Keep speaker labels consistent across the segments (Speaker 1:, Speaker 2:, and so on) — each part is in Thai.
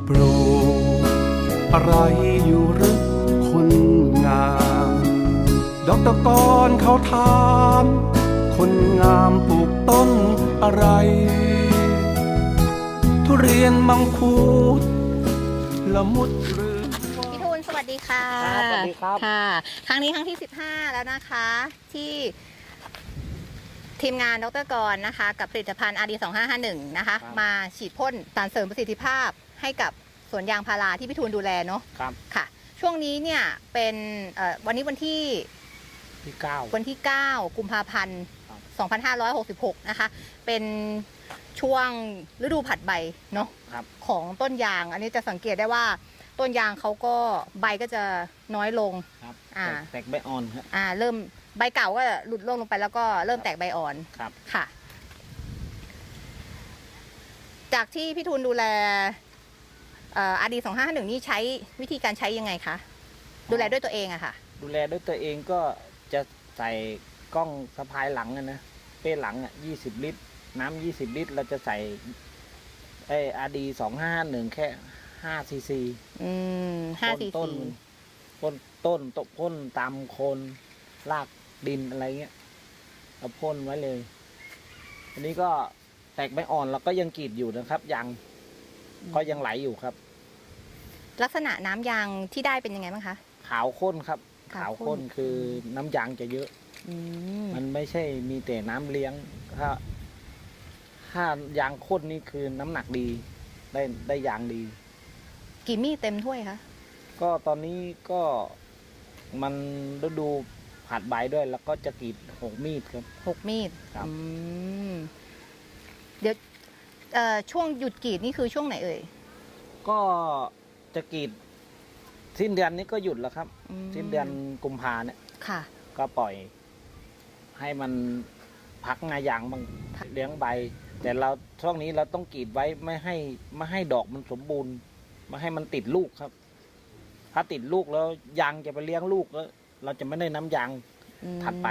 Speaker 1: ปลูกอะไรอยู่หรือคนงามดอกตะกอนเขาถามคนงามปลูกต้นอะไรทุเรียนมังคุดละมุดหรือ
Speaker 2: พี่ทูลสวัสดีค่ะ
Speaker 3: สวัสดีครับ
Speaker 2: ค่ะครั้งนี้ครั้งที่15แล้วนะคะที่ทีมงานดร.กรนะคะกับผลิตภัณฑ์ RD 2551นะคะมาฉีดพ่นสารเสริมประสิทธิภาพให้กับสวนยางพาราที่พี่ทูลดูแลเนาะ
Speaker 3: ครับ
Speaker 2: ค่ะช่วงนี้เนี่ยเป็นวันนี้วันที่ 9 กุมภาพันธ์ 2566 นะคะเป็นช่วงฤดูผัดใบเนาะของต้นยางอันนี้จะสังเกตได้ว่าต้นยางเขาก็ใบก็จะน้อยลง
Speaker 3: แตกใบอ่อนครับ
Speaker 2: เริ่มใบเก่าก็หลุดร่วงลงไปแล้วก็เริ่มแตกใบอ่อน
Speaker 3: ครับ
Speaker 2: ค่ะจากที่พี่ทูลดูแลRD 2551นี่ใช้วิธีการใช้ยังไงคะดูแลด้วยตัวเองอะค่ะ
Speaker 3: ดูแลด้วยตัวเองก็จะใส่กล้องสะพายหลังนะเป้หลัง20 ลิตรน้ำ20 ลิตรเราจะใส่RD 2551แค่5 ซีซี
Speaker 2: 5 ซีซี
Speaker 3: พ่นตามโคนรากดินอะไรเงี้ยเราพ่นไว้เลยอันนี้ก็แตกใบอ่อนเราก็ยังกรีดอยู่นะครับยังก็ยังไหลอยู่ครับ
Speaker 2: ลักษณะน้ำยางที่ได้เป็นยังไงบ้างคะ
Speaker 3: ขาวข้นครับขาวข้นคือน้ำยางจะเยอะมันไม่ใช่มีแต่น้ำเลี้ยงถ้ายางข้นนี่คือน้ำหนักดีได้ยางดี
Speaker 2: กี่มีดเต็มถ้วยคะ
Speaker 3: ก็ตอนนี้ก็มันฤดูผัดใบด้วยแล้วก็จะกรีด6 มีดครับ
Speaker 2: 6 มีด
Speaker 3: ครับ
Speaker 2: เดี๋ยวช่วงหยุดกรีดนี่คือช่วงไหนเอ่ย
Speaker 3: ก็จะกรีดสิ้นเดือนนี้ก็หยุดแล้วครับสิ้นเดือนกุมภาเนี่ย
Speaker 2: ค่ะ
Speaker 3: ก็ปล่อยให้มันพักงายางบางเลี้ยงใบแต่เราช่วงนี้เราต้องกรีดไว้ไม่ให้ดอกมันสมบูรณ์ไม่ให้มันติดลูกครับถ้าติดลูกแล้วยางจะไปเลี้ยงลูกแล้วเราจะไม่ได้น้ำยางถัดไป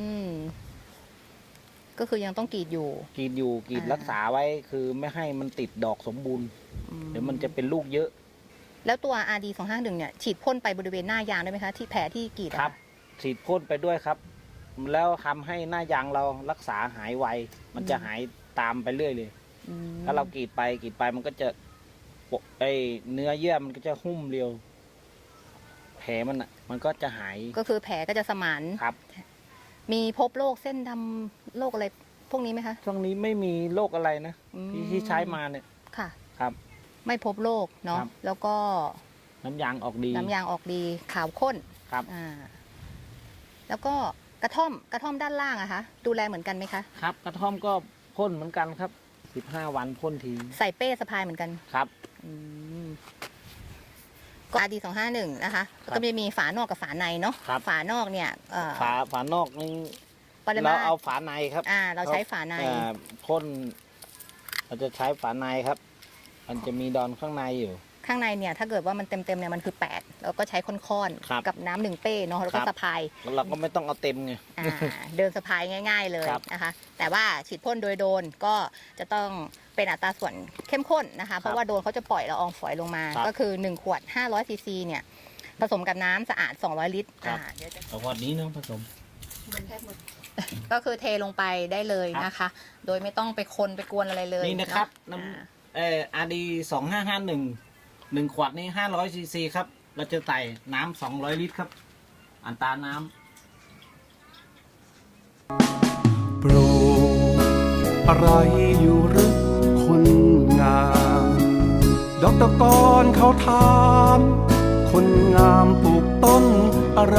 Speaker 2: ก็คือยังต้องกรีดอยู่
Speaker 3: กรีดรักษาไว้คือไม่ให้มันติดดอกสมบูรณ์เดี๋ยวมันจะเป็นลูกเยอะ
Speaker 2: แล้วตัว RD 251เนี่ยฉีดพ่นไปบริเวณหน้ายางได้ไหมคะที่แผลที่กรีด
Speaker 3: ครับฉีดพ่นไปด้วยครับแล้วทำให้หน้ายางเรารักษาหายไวมันจะหายตามไปเรื่อยเลยถ้าเรากรีดไปมันก็จะเนื้อเยื่อมันก็จะหุ้มเร็วแผลมันก็จะหาย
Speaker 2: ก็คือแผลก็จะสมาน
Speaker 3: ครับ
Speaker 2: มีพบโรคเส้นดำโรคอะไรพวกนี้ไหมคะ
Speaker 3: ช่วงนี้ไม่มีโรคอะไรนะที่ใช้มาเนี่ย
Speaker 2: ค่ะ
Speaker 3: ครับ
Speaker 2: ไม่พบโรคเนาะแล้วก็
Speaker 3: น้ำยางออกดี
Speaker 2: ขาวข้น
Speaker 3: ครับ
Speaker 2: แล้วก็กระท่อมด้านล่างอะคะดูแลเหมือนกันไหมคะ
Speaker 3: ครับกระท่อมก็พ่นเหมือนกันครับ15 วันพ่นที
Speaker 2: ใส่เป้สะพายเหมือนกัน
Speaker 3: ครับ
Speaker 2: ก็RD 251นะคะก็จะมีฝานอกกับฝาในเนาะฝานอกเนี่ย
Speaker 3: ฝานอกนี่เราเอาฝาในครับ
Speaker 2: เราใช้ฝาใน
Speaker 3: พ่นเราจะใช้ฝาในครับมันจะมีดอนข้างในอยู่
Speaker 2: ข้างในเนี่ยถ้าเกิดว่ามันเต็มเนี่ยมันคือ8แล้วก็ใช้ค้อนๆกับน้ำ1 เป้เนาะแล้วก็สะพาย
Speaker 3: เราก็ไม่ต้องเอาเต็มไง
Speaker 2: เดินสะพายง่ายๆเลยนะคะแต่ว่าฉีดพ่นโดยโดนก็จะต้องเป็นอัตราส่วนเข้มข้นนะคะเพราะว่าโดนเขาจะปล่อยละอองฝอยลงมาก็คือ1 ขวด500 ซีซีเนี่ยผสมกับน้ำสะอาด200 ลิตร
Speaker 3: เดี๋ยวจะขวดนี้น้องผสม
Speaker 2: ก็คือเทลงไปได้เลยนะคะโดยไม่ต้องไปคนไปกวนอะไรเลย
Speaker 3: นี่นะครับน้ำRD 2551 1 ขวดนี้500 ซีซีครับเราจะใส่น้ำ200 ลิตรครับอัตราน้
Speaker 1: ำปลูกอะไรอยู่หรือคนงามดอกตะกอนเขาถามคนงามปลูกต้นอะไร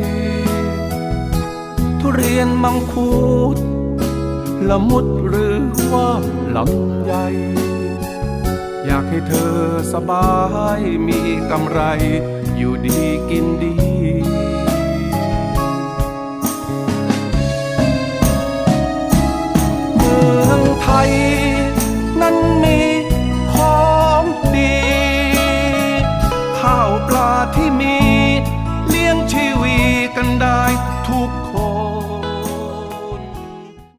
Speaker 1: ทุเรียนมังคุดละมุดหรือว่าลำไยอยากให้เธอสบายมีกำไรอยู่ดีกินดีเมืองไทย